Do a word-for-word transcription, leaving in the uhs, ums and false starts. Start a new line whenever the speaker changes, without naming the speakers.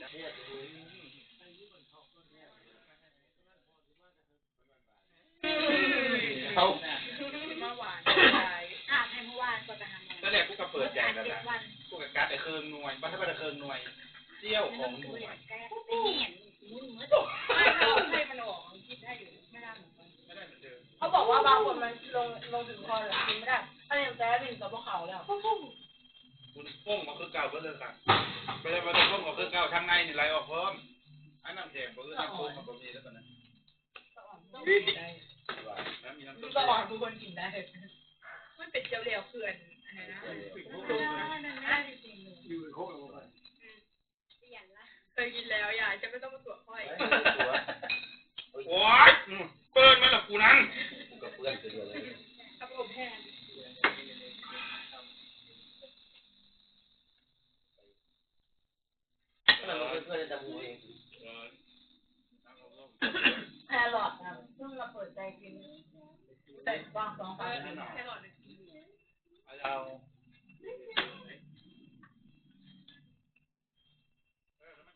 เขา
มาหวานใจอ่ะให้เมื่อวานก็จะทำตอนแรกกูก็เปิดใจแล้วนะกูกับการ์ดไอ้เคิงหน่วยบ้านถ้าเป็นเคิงหน่วยเจี้ยวของหน่วยไม่เห็นมุ้นมืดไม่เขาให้มันออกคิดได้อยู่ไม่ได้เหมือนกันไม่ได้เหมือนเดิมเขาบอกว่าบางคนมันลงลงถึงคอหรือกินไม่ได้ถ้าอย่างแจ๊บินกับพวกเขาแล้วคุณป้งมาคือเก่าก็เลยค่ะไม่ได้มาต้องป้งมาคือเก่าทางในนี่ไหลออกเพิ่มอันน้ำแดงก็คือน้ำโค้งมันก็มีแล้วตอนนั้นมีน้ำต้มก็อ่อนทุกคนกินได้มันเป็นเจียวเหลวเขื่อนอะไรนะอยู่โค้งลงไปเคยกินแล้วยายจะไม่ต้องมาตรวจค่อยโอ๊ยเปิดมาหรอกูนั้นกูกับเพื่อนคืออะไรกับผมแพน
เราเป็นเพื่อนจะมูเอง
แครอทนะเพิ่งมาเปิดใจกินแต่บางสองสามแครอทเอา